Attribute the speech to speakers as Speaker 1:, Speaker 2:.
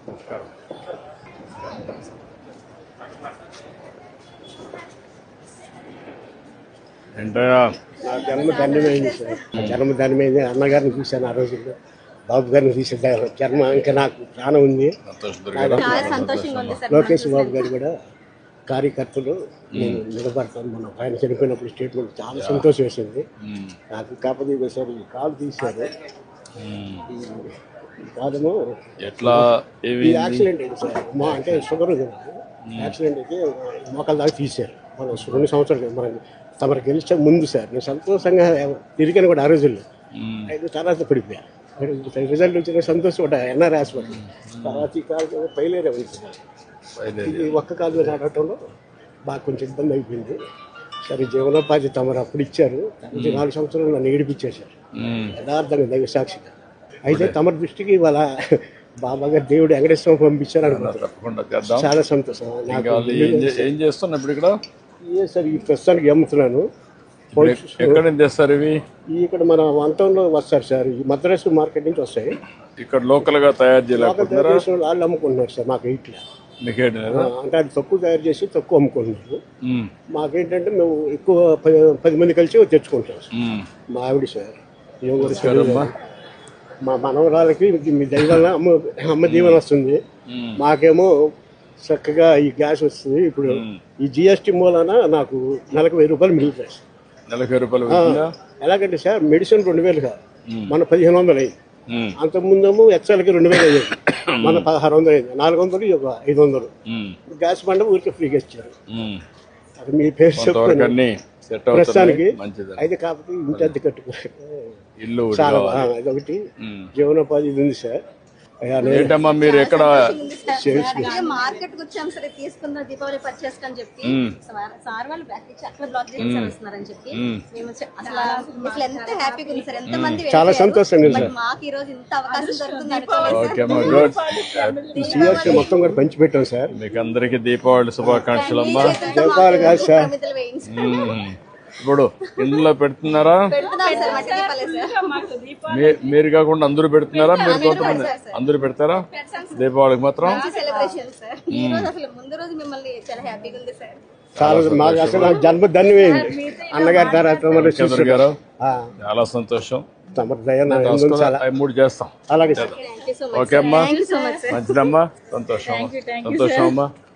Speaker 1: ఏంటయ్యా
Speaker 2: నా జన్మ ధన్యమైంది సార్. జన్మ ధన్యమైంది. అన్నగారిని చూశాను ఆ రోజుల్లో, బాబు గారిని చూసాను. జన్మ ఇంకా నాకు ప్రాణం ఉంది. లోకేష్ బాబు గారు కూడా కార్యకర్తలు నేను నిలబడతాను. మన ఆయన చనిపోయినప్పుడు స్టేట్మెంట్ చాలా సంతోషం వేసింది నాకు. కాకపోతే ఒకసారి కాలు తీశారు. కాదము
Speaker 1: ఎట్లా
Speaker 2: యాక్సిడెంట్ అయింది సార్. మా అంటే షుగర్ ఉంది నాకు. యాక్సిడెంట్ అయితే మోకాల దాకా తీశారు. మనం 2 సంవత్సరాలు మనం తమరు గెలిచే ముందు సార్. నేను సంతోషంగా తిరిగాను కూడా ఆ రోజుల్లో. అయితే తర్వాత పడిపోయా. రిజల్ట్ వచ్చిన సంతోషపడ్డా ఎన్ఆర్ హాస్పిటల్. తర్వాత ఈ కాలు పైలేరే ఉంది. ఇది ఒక్క కాలు నడవటంలో బాగా కొంచెం ఇబ్బంది అయిపోయింది. సరే జీవనోపాధి తమరు అప్పుడు ఇచ్చారు. 4 సంవత్సరాలు నన్ను ఏడిపించేశారు యథార్థంగా దైవ సాక్షిగా. అయితే తమ దృష్టికి ఇవాళ బాబా గారు దేవుడు వెంకటేశ్వర పంపించారు అనుకుంటున్నాను. చాలా సంతోషం.
Speaker 1: ఏం చేస్తున్నా ఇప్పుడు ఇక్కడ
Speaker 2: సార్ ఈ ప్రస్తుతానికి అమ్ముతున్నాను.
Speaker 1: ఎక్కడ నుంచి తెస్తారు ఇవి?
Speaker 2: ఇక్కడ మన వంతంలో వస్తారు సార్. ఈ మద్రాసు మార్కెట్ నుంచి వస్తాయి.
Speaker 1: ఇక్కడ లోకల్ గా తయారు చేయలేకపోతున్నారా?
Speaker 2: వాళ్ళు అమ్ముకుంటున్నారు సార్. మాకు ఇట్లా అంటే అది తక్కువ తయారు చేసి తక్కువ అమ్ముకుంటున్నారు. మాకేంటంటే మేము ఎక్కువ 10 మంది కలిసి తెచ్చుకుంటాం సార్. మా ఆవిడ సార్ మా మనవరాలకి మీ దైవాల అమ్మ దీవెన వస్తుంది. మాకేమో చక్కగా ఈ గ్యాస్ వస్తుంది. ఇప్పుడు ఈ జిఎస్టీ మూలాన నాకు నెలకు 1000 రూపాయలు మిగులుతాయి సార్.
Speaker 1: నెలకు 1000 రూపాయలు
Speaker 2: ఎలాగంటే సార్ మెడిసిన్ 2000 కాదు, మన 1500 అయ్యింది. అంతకుముందేమో ఎక్సెల్కి 2000 అయ్యేది, మన 1600 అయింది. 400 ఒక 500. గ్యాస్ బండ ఊరికి ఫ్రీగా ఇచ్చారు. అది మీ పేరు చెప్తాను ప్రస్తుతానికి. అయితే కాకపోతే ఇంటి అద్దె కట్టుకోవాలి
Speaker 1: ఇల్లు
Speaker 2: చాలా అదొకటి జీవనోపాధి ఇది ఉంది సార్.
Speaker 1: ఏంటమ్మా మీరు ఎక్కడ
Speaker 3: మార్కెట్ వచ్చాం సరే తీసుకుందాం దీపావళి పర్చేస్ అని చెప్పి సార్ వాళ్ళు బ్యాక్ ఇచ్చి అట్లా బ్లాక్ చేస్తున్నారని చెప్పి మేము అసలు ఎంత హ్యాపీగా ఉంది సార్. ఎంత మంది
Speaker 2: చాలా సంతోషంగా సార్.
Speaker 3: మాకు ఈ రోజు ఇంత అవకాశం దొరుకుతుంది
Speaker 2: మొత్తం కూడా పంచి పెట్టాం సార్.
Speaker 1: మీకు అందరికి దీపావళి శుభాకాంక్షలు అమ్మా.
Speaker 2: దీపావళి కాదు సార్,
Speaker 1: ఇప్పుడు ఇంట్లో పెడుతున్నారా? మీరు కాకుండా అందరూ పెడుతున్నారా? మీరు కొంతమంది అందరూ పెడతారా దీపావళికి మాత్రం?
Speaker 2: మాకు అసలు జన్మ ధన్యమైంది అన్నగారి తర్వాత
Speaker 1: గారు. చాలా సంతోషం. 3 చేస్తాం.
Speaker 2: అలాగే సార్.
Speaker 1: ఓకే అమ్మా, మంచిదమ్మా. సంతోషం అమ్మా.